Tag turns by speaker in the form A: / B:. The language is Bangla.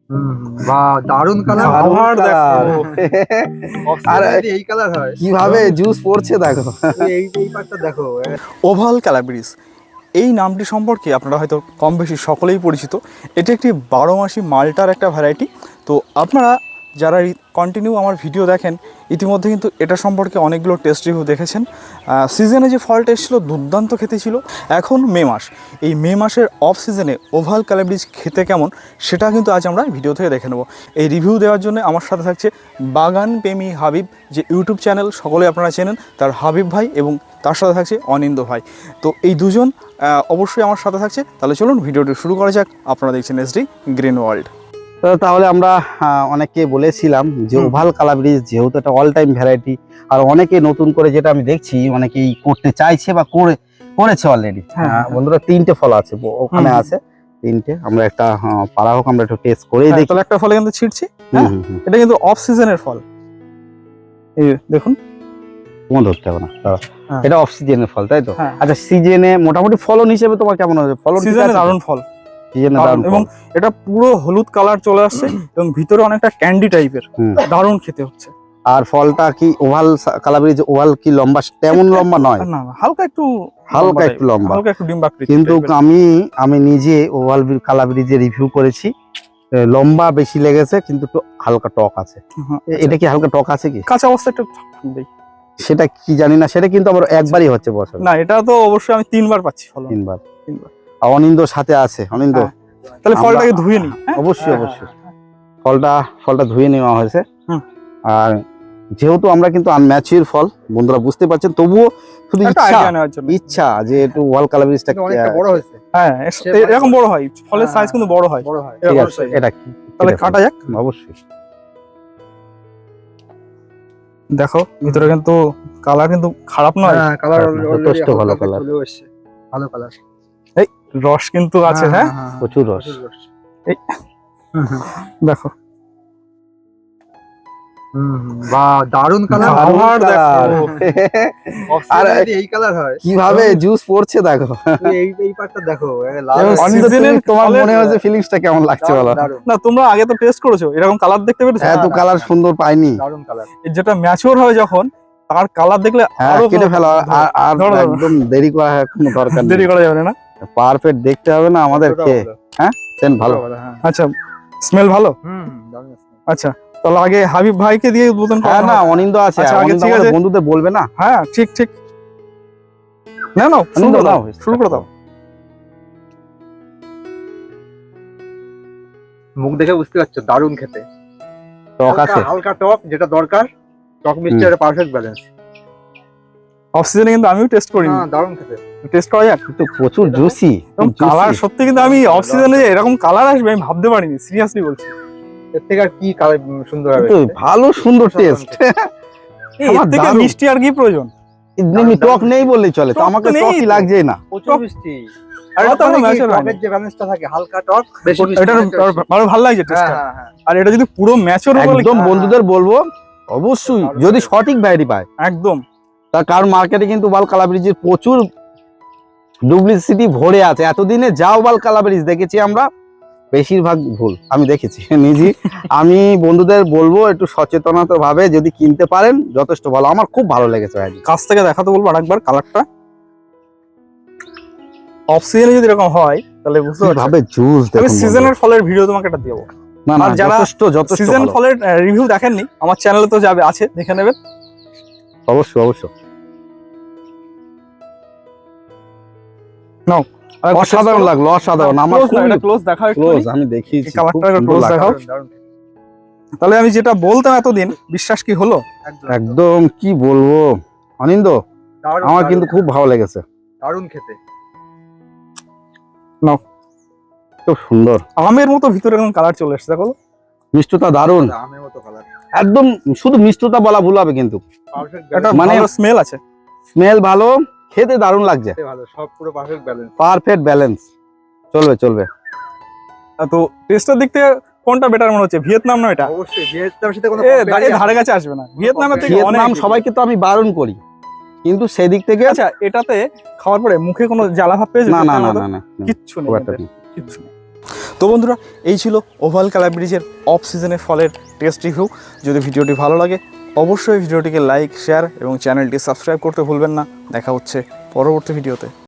A: বাহ, দারুণ কালার।
B: কালার দেখো।
A: আর এই কালার হয়
B: কিভাবে জুস পড়ছে দেখো।
A: এই পার্টটা দেখো।
C: ওভাল ক্যালাব্রিজ এই নামটি সম্পর্কে আপনারা হয়তো কম বেশি সকলেই পরিচিত। এটি একটি 12 মাসি মাল্টার একটা ভ্যারাইটি। তো আপনারা যারা কন্টিনিউ আমার ভিডিও দেখেন ইতিমধ্যে কিন্তু এটা সম্পর্কে অনেকগুলো টেস্ট রিভিউ দেখেছেন। সিজনে যে ফলটা এসেছিলো দুর্দান্ত খেতে ছিল। এখন মে মাস, এই মে মাসের অফ সিজনে ওভাল ক্যালাব্রিজ খেতে কেমন সেটা কিন্তু আজ আমরা ভিডিও থেকে দেখে নেব। এই রিভিউ দেওয়ার জন্য আমার সাথে থাকছে বাগান প্রেমী হাবিব, যে ইউটিউব চ্যানেল সকলে আপনারা চেনেন, তার হাবিব ভাই, এবং তার সাথে থাকছে অনিন্দ ভাই। তো এই দুজন অবশ্যই আমার সাথে থাকছে। তাহলে চলুন ভিডিওটি শুরু করা যাক। আপনারা দেখছেন এসডি গ্রিন ওয়ার্ল্ড।
B: তাহলে আমরা অনেককে বলেছিলাম যে ওভাল কালাব্রিজ যেহেতু একটা অল টাইম ভ্যারাইটি, আর অনেকে নতুন করে যেটা আমি দেখছি অনেকেই করতে চাইছে বা করেছে অলরেডি। বন্ধুরা 3টে ফল আছে ওখানে আছে 3টে। আমরা একটা পাড়া হোক আমরা একটু টেস্ট করেই দেখি।
C: তাহলে একটা ফলে কিন্তু ছিটছি। এটা কিন্তু অফ সিজনের ফল, এই দেখুন।
B: তোমার ধরতে হবে না, এটা অফ সিজনের ফল তাই তো? আচ্ছা, সিজনে মোটামুটি ফলন হিসেবে তোমার কেমন হবে? ফলন
C: সিজনে দারুণ ফল, এবং এটা পুরো হলুদ কালার চলে আসছে এবং ভিতরে অনেকটা ক্যান্ডি টাইপের, দারুণ খেতে হচ্ছে।
B: আর ফলটা কি ওভাল কালাব্রিজ ওভাল কি লম্বা তেমন লম্বা নয়?
C: না, হালকা একটু
B: লম্বা,
C: হালকা একটু ডিম্বাকৃতি।
B: কিন্তু আমি নিজে ওভাল কালাব্রিজে রিভিউ করেছি, লম্বা বেশি লেগেছে কিন্তু একটু হালকা টক আছে। এটা কি হালকা টক আছে কি?
C: কাঁচা অবস্থা একটু থাকবেই,
B: সেটা কি জানি না। সেটা কিন্তু আবার একবারই হচ্ছে বছর
C: না, এটা তো অবশ্যই আমি 3বার পাচ্ছি ফল।
B: 3বার। অনিন্দ সাথে আছে, অনিন্দ
C: তাহলে ফলটাকে ধুয়ে নিই।
B: অবশ্যই অবশ্যই ফলটা ধুয়ে নেওয়া হয়েছে। আর যেহেতু আমরা কিন্তু আনম্যাচিউর ফল বন্ধুরা বুঝতে পারছেন, তবুও শুধু ইচ্ছা যে একটু ওভাল কালাব্রিজটা
A: অনেকটা বড় হয়েছে।
C: হ্যাঁ, এরকম বড় হয়, ফলের সাইজ কিন্তু বড় হয়।
B: এটা কি
C: তাহলে কাটা যাক।
B: অবশ্যই
C: দেখো ভিতরে কিন্তু কালার কিন্তু খারাপ নয়।
A: হ্যাঁ, কালার
B: যথেষ্ট ভালো কালার,
A: ভালো কালার।
C: এই রস কিন্তু আছে। হ্যাঁ,
B: প্রচুর রস।
C: এই দেখো,
A: বাহ, দারুণ কালার। আর এই কালার হয়
B: কিভাবে জুস পড়ছে দেখো।
A: এই পার্টটা দেখো।
B: তোমার মনে হচ্ছে ফিলিংসটা কেমন লাগছে বলো?
C: না, তোমরা আগে তো টেস্ট করেছো, এরকম কালার দেখতে পেরেছো?
B: এত কালার সুন্দর পাইনি।
A: দারুণ কালার।
C: যেটা ম্যাচিওর হয় যখন, তার কালার দেখলে আরো
B: কেটে ফেলা। আর একদম দেরি করা কোনো দরকার নেই,
C: দেরি করা যাবে না।
B: পারফেক্ট দেখতে হবে না আমাদেরকে। হ্যাঁ, সেন্ট ভালো।
C: আচ্ছা, স্মেল ভালো। আচ্ছা, তাহলে আগে হাবিব ভাইকে দিয়ে উদ্বোধন করা।
B: না, অনিন্দ আছে।
C: ঠিক আছে,
B: বন্ধুদের বলবে না?
C: হ্যাঁ, ঠিক। না, শুরু করে দাও।
A: মুখ দেখে বুঝতে পারছো দারুণ খেতে।
B: টক আছে,
A: হালকা টক, যেটা দরকার। টক মিষ্টি একটা পারফেক্ট ব্যালেন্স।
C: অফ সিজনে কিন্তু আমিও টেস্ট করি।
A: দারুণ খেতে।
C: টেস্ট করা যাক।
B: কিন্তু প্রচুর জুসি
C: কালার সত্যি, কিন্তু আমি অফ সিজনে এরকম কালার আসবে আমি ভাবতে পারিনি, সিরিয়াসলি বলছি।
A: এর থেকে আর কি কালার সুন্দর হবে?
B: ভালো সুন্দর টেস্ট।
C: এর থেকে মিষ্টি আর কি প্রয়োজন?
B: টক নেই বললেই চলে, তো আমাকে টকই লাগছে না।
A: প্রচুর মিষ্টি।
C: আর এটা তো
A: টকের যে ব্যালেন্সটা থাকে, হালকা টক বেশি মিষ্টি,
C: এটা ভালো লাগছে টেস্টটা। আর এটা যদি পুরো ম্যাচিওর হবে,
B: একদম বন্ধুদের বলবো অবশ্যই, যদি সঠিক ভ্যারাইটি পায়
C: একদম।
B: তার কারণ মার্কেটে কিন্তু ওভাল কালাব্রিজের প্রচুর ডুপ্লিসিটি ভরে আছে। এতদিনে যা ওভাল কালাব্রিজ দেখেছি আমরা, বেশিরভাগ ভুল আমি দেখেছি নিজে। আমি বন্ধুদের বলবো একটু সচেতনতা ভাবে যদি কিনতে পারেন যথেষ্ট ভালো। আমার খুব ভালো লেগেছে।
C: কাছ থেকে দেখাতে বলবো আরেকবার কালারটা। অফ সিজনে যদি এরকম হয় তাহলে বুঝতে পারবে
B: জুস দেখুন।
C: আমি সিজনের ফলের ভিডিও তোমাকে এটা দেবো।
B: না,
C: যারা
B: যথেষ্ট
C: সিজন ফলের রিভিউ দেখেননি আমার চ্যানেলে তো যাবে, আছে, দেখে নেবেন।
B: অবশ্যই
C: নাও।
B: অসাধারণ লাগলো, অসাধারণ। আমার
C: ক্লোজ দেখাও,
B: ক্লোজ আমি দেখিয়েছি।
C: কালারটা ক্লোজ দেখাও। তাহলে আমি যেটা বলতাম এতদিন, বিশ্বাস কি হলো?
B: একদম কি বলবো অনিন্দ, আমার কিন্তু খুব ভালো লেগেছে।
A: দারুণ খেতে।
B: নাও, খুব সুন্দর
C: আমের মতো ভিতরে এরকম কালার চলে এসেছে, দেখো
B: মিষ্টতা দারুণ।
A: আমের মতো কালার
B: একদম, শুধু মিষ্টতা বলা ভুল হবে কিন্তু
C: মানে স্মেল আছে,
B: স্মেল ভালো, খেতে দারুণ লাগছে।
A: ভালো, সব পুরো
B: পারফেক্ট ব্যালেন্স। চলবে।
C: তো টেস্টের দিক থেকে কোনটা বেটার মনে হচ্ছে? ভিয়েতনাম না এটা?
A: অবশ্যই ভিয়েতনামের সাথে কোনো
C: ধারে কাছে আসবে না। ভিয়েতনামের থেকে
B: ভিয়েতনাম সবাইকে তো আমি বারণ করি, কিন্তু সেদিক থেকে
C: আচ্ছা, এটাতে খাওয়ার পরে মুখে কোনো জ্বালা ভাব পেয়েছে?
B: না,
C: কিচ্ছু নেই। তো বন্ধুরা, এই ছিল ওভাল ক্যালাব্রিজের অফ সিজনের ফলের টেস্ট রিভিউ। যদি ভিডিওটি ভালো লাগে অবশ্যই ভিডিওটিকে লাইক, শেয়ার এবং চ্যানেলটি সাবস্ক্রাইব করতে ভুলবেন না। দেখা হচ্ছে পরবর্তী ভিডিওতে।